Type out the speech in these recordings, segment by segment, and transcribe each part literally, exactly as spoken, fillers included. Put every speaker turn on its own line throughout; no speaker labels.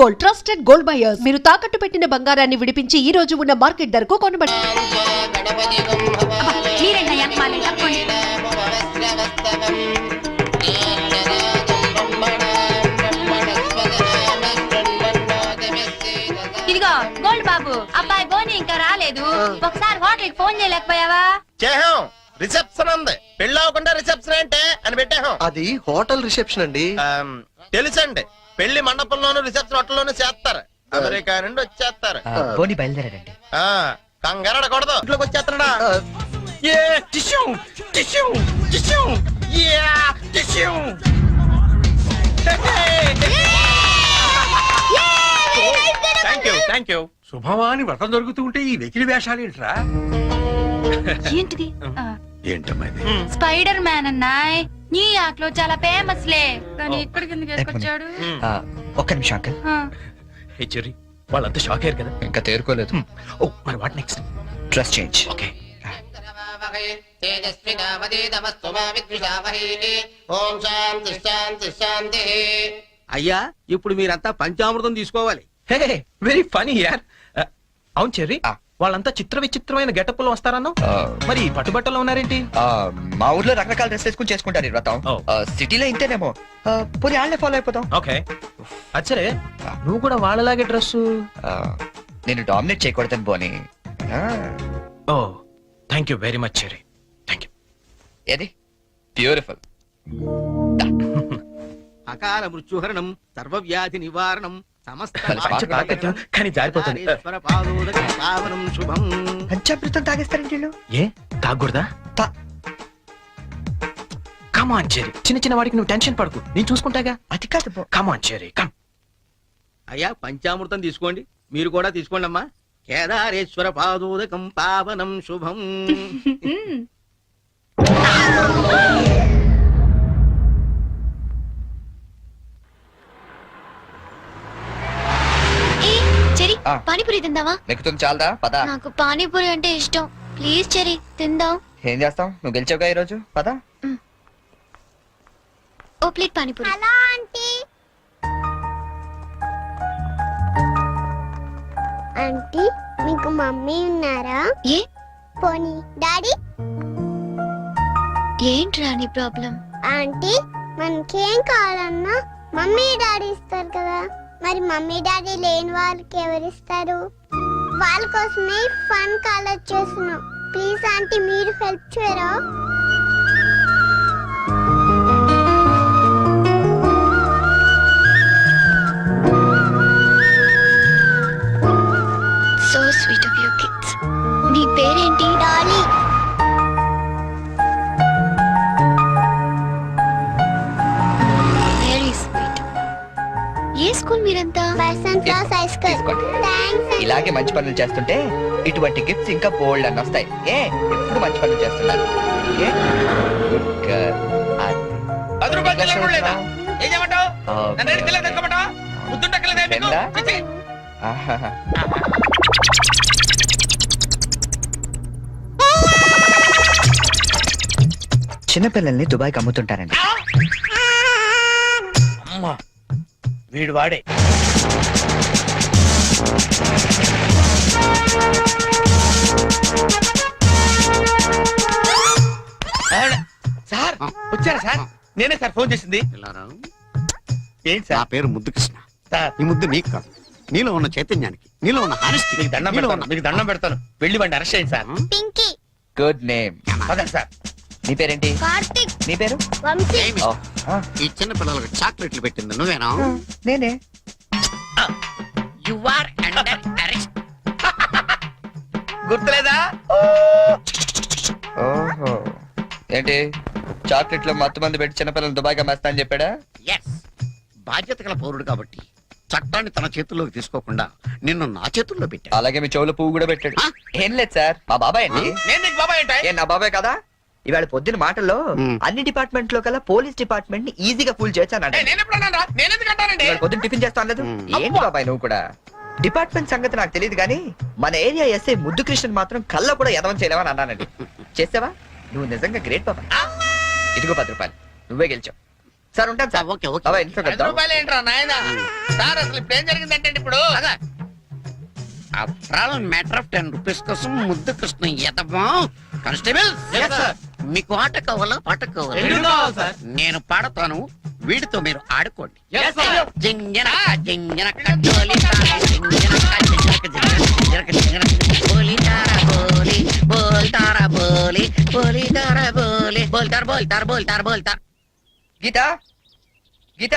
Gold trusted gold buyers. మీరు తాకట్టు పెట్టిన బంగారాన్ని విడిపించి ఈ రోజు ఉన్న మార్కెట్ ధరకు కొనబడి.
ఇదిగో గోల్డ్ బాబు, అబ్బాయి బోని ఇంకా రాలేదు. ఒకసారి హోటల్ ఫోన్ చేయలేకపోయావా?
చేహాం, రిసెప్షన్ ఉంది. పెళ్లి అవ్వకుండా రిసెప్షన్ అంటే అని పెట్టాం.
అది హోటల్ రిసెప్షన్ అండి.
తెలుసండి, పెళ్లి మండపంలోను రిసెప్షన్ హోటల్లోనూ చేస్తారు. అమెరికా నుండి వచ్చేస్తారు.
బోని బయలుదేరాడండి.
కంగారడకూడదు, ఇంట్లోకి వచ్చేస్తాడా?
శుభమాని వ్రతం దొరుకుతూ ఉంటే ఈ వెకిలి వేషాలు ఏంట్రా?
ఏంటిది?
ఏంటమ్మా ఇది?
Spider man అన్నాయ్. న్యూయార్క్ లో చాలా ఫేమస్ లే, కానీ ఇక్కడికి ఎందుకు వేసుకొచ్చాడు?
ఒక్క నిమిషం అంకల్.
హే చెర్రీ, వాళ్ళంతా షాక్ అయ్యారు కదా?
ఇంకా తేరుకోలేదు.
ఓ మరి what next?
Dress change.
Okay.
అయ్యా, ఇప్పుడు మీరంతా పంచామృతం తీసుకోవాలి.
హే వెరీ ఫనీ యార్. అవును చెర్రీ, వాళ్ళంతా చిత్ర విచిత్రమైన గెటప్ లో వస్తారన్నావు, మరి పట్టుబట్టలో ఉన్నారేంటి?
మా ఊర్లో రకరకాల డ్రెస్ వేసుకుని చేసుకుంటారు ఈ వ్రతం. సిటీలో ఇంతేనేమో, పోనీ వాళ్ళే ఫాలో అయిపోతాం.
ఓకే, అచ్చరే నువ్వు కూడా వాళ్ళలాగే డ్రెస్.
నేను డామినేట్ చేయకూడదని పోనీ.
Oh thank you very much Cherry, thank you.
ఏది బ్యూటిఫుల్.
అకాల మృత్యుహరణం, సర్వవ్యాధి నివారణం, సమస్త
కానీ జారిపోతుంది.
పావనం శుభం.
పంచామృతం తాగేస్తారండి వీళ్ళు.
ఏ తాగకూడదా? కమాన్ చెర్రీ, చిన్న చిన్న వాడికి నువ్వు టెన్షన్ పడకు, నేను చూసుకుంటాగా.
అది కాదు.
Come on Cherry, come.
అయ్యా, పంచామృతం తీసుకోండి, మీరు కూడా తీసుకోండి అమ్మా. కేదారేశ్వర పాదోదకం పావనం శుభం.
పానీపూరి తిందావా?
నెక్కుతుంది చాలదా? పద.
నాకు పానీపూరి అంటే ఇష్టం, ప్లీజ్ చెరి తిందాం.
ఏం చేస్తాం, నువ్వు గెలిచావుగా ఈ రోజు. పద.
ఓ plate panipuri. Hello aunty.
Aunty, మీకు మమ్మీ ఉన్నారా?
ఏ
పోనీ డాడీ?
ఏంట్రా నీ ప్రాబ్లం?
ఆంటీ, మనకేం కావాలన్నా మమ్మీ డాడీ ఇస్తారు కదా, మరి మమ్మీ డాడీ లేని వాళ్ళకి ఎవరిస్తారు? వాళ్ళ కోసమే ఫన్ కాలేజ్ చేస్తున్నాం. ప్లీజ్ ఆంటీ, మీరు హెల్ప్ చేయరా?
So sweet of your kids. నీ పేరేంటి?
డాలీ.
Very sweet. ఏ స్కూల్ మీరంతా?
Person class high school. Thanks.
ఇలాగే మంచి పనులు చేస్తుంటే ఇటువంటి గిఫ్ట్స్ ఇంకా బోల్డ్ అని వస్తాయి. ఏ ఎప్పుడు మంచి పనులు చేస్తున్నారు. Good girl.
పది రూపాయలు చెల్లెడు లేదా? ఏం చేయమంటావు? నన్ను రెడీ తెల్లగా తెచ్చుకోమంటావా? ముద్దుంటక్కలేదా మీకు? చిచి.
చిన్నపిల్లల్ని దుబాయ్కి అమ్ముతుంటారండి.
అమ్మా, వీడు వాడే. సార్ వచ్చారా సార్? నేనే సార్ ఫోన్ చేసింది. ఏంటి సార్?
నా పేరు ముద్దు కృష్ణ. ఈ ముద్దు నీకు కాదు, నీలో ఉన్న చైతన్యానికి, నీలో ఉన్న హానెస్టీ.
మీకు దండం పెడతాను, మీకు దండం పెడతాను. వెళ్ళి వాడిని అరెస్ట్ చేయండి సార్.
పింకీ.
Good name.
పదండి సార్.
నీ పేరేంటి?
కార్తిక్.
నీ పేరు?
వంశీ.
ఈ చిన్న పిల్లలకు చాక్లెట్లు పెట్టింది నువ్వేనా?
నేనే.
You are under arrest. గుర్తులేదా?
ఓహో, ఏంటి చాక్లెట్ లో మత్తు మంది పెట్టి చిన్నపిల్లలు దుబాయ్గా మేస్తా అని చెప్పాడా?
ఎస్, బాధ్యత గల పౌరుడు కాబట్టి చట్టాన్ని తన చేతుల్లోకి తీసుకోకుండా నిన్ను నా చేతుల్లో పెట్టా.
అలాగే మీ చెవులో పువ్వు కూడా పెట్టాడు. ఏం లేదు సార్, మా బాబాయ్ అండి.
నేను నీకు బాబాయ్ ఏంటి?
ఏ నా బాబాయ్ కదా. ఇవాళ పొద్దున మాటల్లో అన్ని డిపార్ట్మెంట్ లో కల్లా పోలీస్ డిపార్ట్మెంట్ ని ఈజీగా ఫుల్ చేశానండి. పొద్దున్న టిఫిన్ చేస్తాను లేదు. ఏంటి బాబాయ్ నువ్వు కూడా? డిపార్ట్మెంట్ సంగతి నాకు తెలియదు కానీ మన ఏరియా ఎస్ఐ ముద్దు కృష్ణ మాత్రం కళ్ళ కూడా ఎదవం చేయలేవని అన్నానండి. చేసావా? నువ్వు నిజంగా గ్రేట్ బాబాయ్. ఇదిగో పది రూపాయలు, నువ్వే గెలిచావు. సార్ ఉంటాను సార్.
ఓకే ఓకే
బాబాయ్ ఇంట్లో
ఐదు
కలుద్దాం.
రూపాయలు ఏంట్రా నాయన సార్ అసలు ఇప్పుడు ఏం జరిగిందంటే ఇప్పుడు
after matter of ten rupees కోసం ముద్దు కృష్ణ ఎదమా కానిస్టేబుల్ మీకు ఆట కావాలా పాట కావాలా నేను పాడతాను వీడితో మీరు ఆడుకోండి జింజనక జింజనక జోలి తారా, జింజనక జింజనక జింజనక జింజనక బోలి తారా బోలి బోల్ తారా బోలి బోలి తారా బోలి బోల్ తార్ బోల్ తార్ బోల్ తార్ బోల్ తార్.
గీత గీత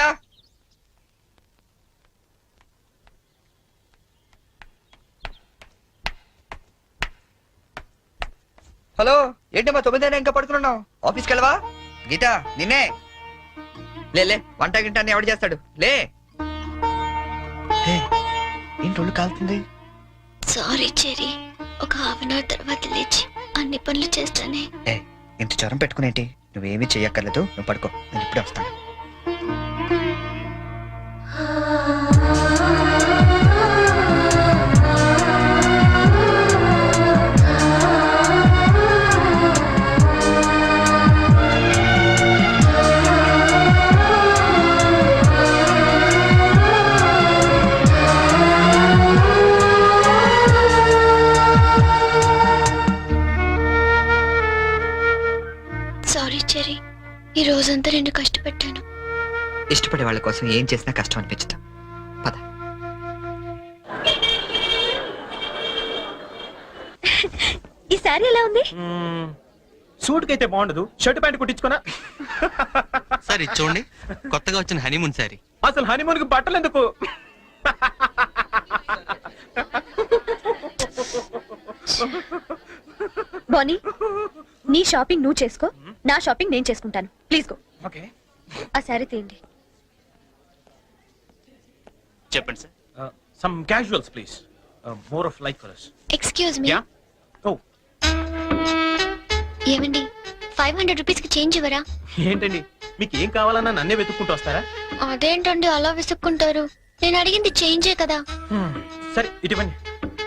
హలో ఏంటమ్మా తొమ్మిదైనా ఇంకా పడుకున్నావు? ఆఫీస్కి వెళ్ళవా? గీత నిన్నే లే లే వంట గింట అన్ని ఎవడు చేస్తాడు లే. హే, ఏంటి ఒళ్ళు కాలుతుంది?
సారీ చెరీ, ఒక హాఫ్ అన్ అవర్ తర్వాత లేచి అన్ని పనులు చేస్తానే.
ఏ ఇంత జ్వరం పెట్టుకునేంటి? నువ్వేమీ చెయ్యక్కర్లేదు, నువ్వు పడుకో, నేను ఇప్పుడే వస్తాను.
సారీ చెరీ, ఈ రోజంతా నేను కష్టపెట్టాను.
ఇష్టపడే వాళ్ళ కోసం ఏం చేసినా కష్టం అనిపించదు. పద.
ఈ సారీ ఎలా ఉంది?
సూట్ కైతే బాగుండదు, షర్ట్ ప్యాంట్ కుట్టించుకున్నా.
సార్ ఇది చూడండి, కొత్తగా వచ్చిన హనీమూన్ సారీ.
అసలు హనీమూన్ కి బట్టలు ఎందుకు?
బానీ, నీ షాపింగ్ నువ్వు చేసుకో, నా షాపింగ్ నేను చేసుకుంటాను. Please go.
ఓకే,
ఆ శారీ తీయండి.
చెప్పండి sir.
Some casuals please, more of like colours.
Excuse me,
ya. ఓ
ఏమండి ఫైవ్ హండ్రెడ్ రూపీస్ కి చేంజ్ ఇవ్వరా?
ఏంటండి, మీకు ఏం కావాలన్నా నన్నే వెతుక్కుంటూ వస్తారా?
అదేంటండి అలా విసుక్కుంటారు? నేను అడిగింది చేంజే కదా.
Hmm, సరే ఇటువంటి.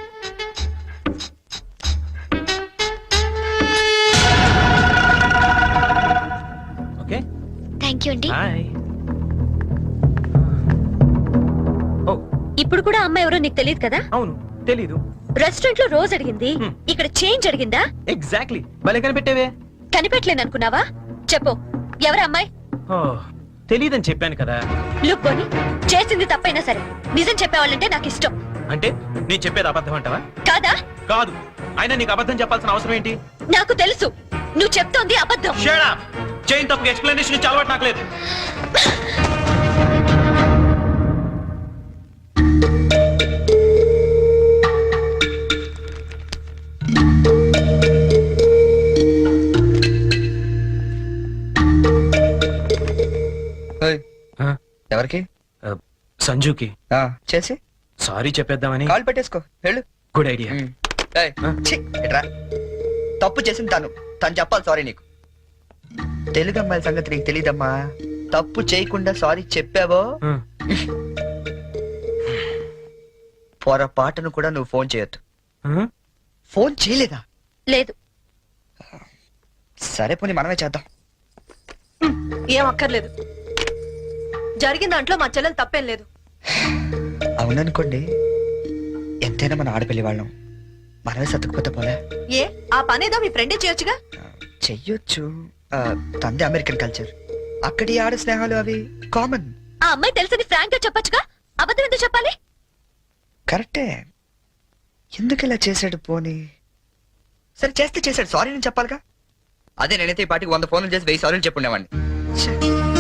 ఓకే,
థ్యాంక్ యూ అండి.
బాయ్. ఓ
ఇప్పుడు కూడా అమ్మాయి ఎవరో నీకు తెలియదు కదా?
అవును, తెలీదు.
రెస్టారెంట్ లో రోజు అడిగింది,
Hmm.
ఇక్కడ చేంజ్ అడిగిందా?
ఎగ్జాక్ట్లీ, భలే కనిపెట్టేవే.
కనిపెట్టలేను అనుకున్నావా? చెప్పు, ఎవరు అమ్మాయి?
ఓ తెలీదని చెప్పాను కదా.
లుక్ బోని, చేసింది తప్పైనా సరే నిజం చెప్పేవాళ్ళంటే నాకు ఇష్టం.
అంటే నేను చెప్పేది అబద్ధం అంటావా?
కాదా?
కాదు, అయినా నీకు అబద్ధం చెప్పాల్సిన అవసరం ఏంటి?
నాకు తెలుసు నువ్వు చెప్తోంది అబద్ధం.
Shut up! చైన్ తప్పుకు ఎక్స్ప్లెనేషన్ ఇచ్చే అలవాటు నాకు లేదు.
ఓయ్, ఎవరికి?
సంజుకి
ఆ, చేసి
సారీ చెప్పేద్దామని.
కాల్ పెట్టేసుకో, వెళ్ళు.
Good idea.
ఏయ్, ఛీ, ఇట్రా. తప్పు చేసింది తను, తను చెప్పాలి సారీ నీకు. తెలుగు అమ్మాయిల సంగతి నీకు తెలీదమ్మా. తప్పు చేయకుండా సారీ చెప్పావో పొరపాటును కూడా నువ్వు ఫోన్ చేయొద్దు. ఫోన్ చేయలేదా?
లేదు.
సరే పోనీ మనమే చేద్దాం.
ఏం అక్కర్లేదు, జరిగిన దాంట్లో మా చెల్లెలు తప్పేం లేదు.
అవుననుకోండి, ఎంతైనా మన ఆడపిల్లి వాళ్ళం, మనమే సర్దుకుపోతే పోలే.
ఏ ఆ పనేదో మీ ఫ్రెండే చేయొచ్చుగా.
చెయ్యొచ్చు, ఆ, తంది అమెరికన్ కల్చర్, అక్కడి ఆడ స్నేహాలు అవి కామన్.
ఆ అమ్మాయి తెలుసని ఫ్రాంక్ గా చెప్పొచ్చుగా, అబద్ధం ఎందుకు చెప్పాలి?
కరెక్టే, ఎందుకు ఇలా చేశాడు పోనీ? సరే చేస్తే చేశాడు, సారీ నేను చెప్పాలిగా. అదే నేనైతే ఈ పాటికి వంద ఫోన్లు చేసి వెయ్యి సారీలు చెప్పుండేవాడిని. ఛే.